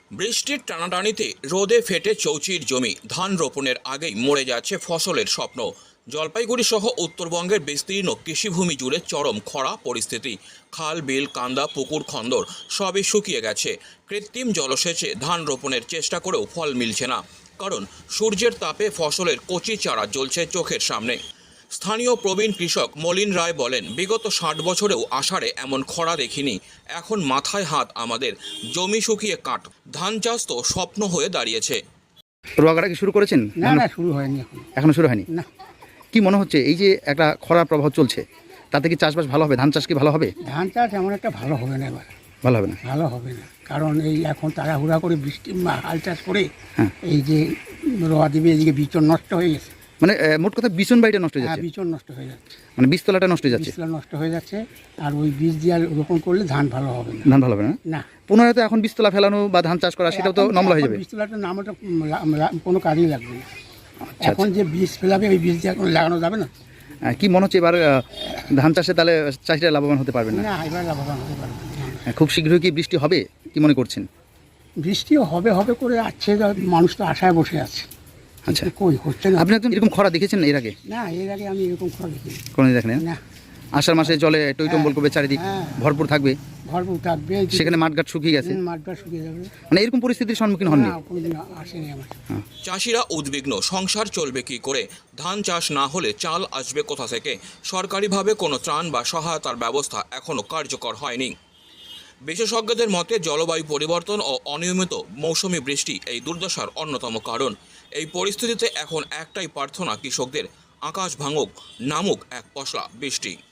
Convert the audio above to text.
বৃষ্টির টানাটানিতে রোদে ফেটে চৌচির জমি, ধান রোপণের আগেই মরে যাচ্ছে ফসলের স্বপ্ন। জলপাইগুড়ি সহ উত্তরবঙ্গের বিস্তীর্ণ কৃষিভূমি জুড়ে চরম খরা পরিস্থিতি। খাল, বিল, কান্দা, পুকুর, খন্দর সবই শুকিয়ে গেছে। কৃত্রিম জলসেচে ধান রোপণের চেষ্টা করেও ফল মিলছে না, কারণ সূর্যের তাপে ফসলের কচি চারা জ্বলছে চোখের সামনে। স্থানীয় প্রবীণ কৃষক মলিন রায় বলেন, বিগত 60 বছরেও আষাঢ়ে এমন খরা দেখিনি। এখন মাথায় হাত আমাদের, জমি শুকিয়ে কাঠ, ধান চাষ তো স্বপ্ন হয়ে দাঁড়িয়েছে। রোয়া কাটা কি শুরু করেছেন? না শুরু হয়নি এখনো শুরু হয়নি। না। কি মনে হচ্ছে এই যে একটা খরার প্রভাব চলছে, তাতে কি চাষবাস ভালো হবে? ধান চাষ কি ভালো হবে? ধান চাষ এমন একটা ভালো হবে না, এবার ভালো হবে না। ভালো হবে না, কারণ এই এখন তাড়াহুড়া করে বৃষ্টি হাল চাষ করে হ্যাঁ। এই যে রোয়া দিবে, এদিকে বিচন নষ্ট হয়ে গেছে। মানে মোট কথা বিচন বাড়িটা নষ্ট হয়ে হ্যাঁ, যাচ্ছে, বিচন নষ্ট হয়ে যাচ্ছে, মানে বীজতলাটা নষ্ট হয়ে যাচ্ছে, বীজতলা নষ্ট হয়ে যাচ্ছে। আর ওই বীজ দিয়ে আর রোপণ করলে ধান ভালো হবে না। ধান ভালো হবে না। না, পুনরায় তো এখন বীজতলা ফেলানো বা ধান চাষ করা সেটাও তো নমলা হয়ে যাবে। বীজতলাটার নাম ওটা কোনো কাজেই লাগবে না। আচ্ছা। এখন যে বীজ ফেলাবে ওই বীজ দিয়ে এখন লাগানো যাবে না। কি মনে হচ্ছে এবার ধান চাষে তাহলে চাষিরা লাভবান হতে পারবে না? না, এবার লাভবান হতে পারবে না। খুব শীঘ্রই কি বৃষ্টি হবে কি মনে করছেন? বৃষ্টিও হবে হবে করে আসছে, মানুষ তো আশায় বসে আছে। আচ্ছা, কই হচ্ছে না। আপনি একদম এরকম খরা দেখেছেন এর আগে? না, এর আগে আমি এরকম খরা দেখিনি। কোনো দেখেন না, আষাঢ় মাসে জলে টইটম্বল করবে, চারিদিক হ্যাঁ। ভরপুর থাকবে, ভরপুর থাকবে, সেখানে মাঠঘাট শুকিয়ে গেছে, মাঠটা শুকিয়ে যাবে। মানে এরকম পরিস্থিতির সম্মুখীন হননি? না, কোনোদিন আসেনি আমার। চাষিরা উদ্বিগ্ন, সংসার চলবে কি করে? ধান চাষ না হলে চাল আসবে কোথা থেকে? সরকারিভাবে কোনো ত্রাণ বা সহায়তার ব্যবস্থা এখনও কার্যকর হয়নি। বিশেষজ্ঞদের মতে জলবায়ু পরিবর্তন ও অনিয়মিত মৌসুমি বৃষ্টি এই দুর্দশার অন্যতম কারণ। এই পরিস্থিতিতে এখন একটাই প্রার্থনা কৃষকদের, আকাশ ভাঙুক, নামুক এক পশলা বৃষ্টি।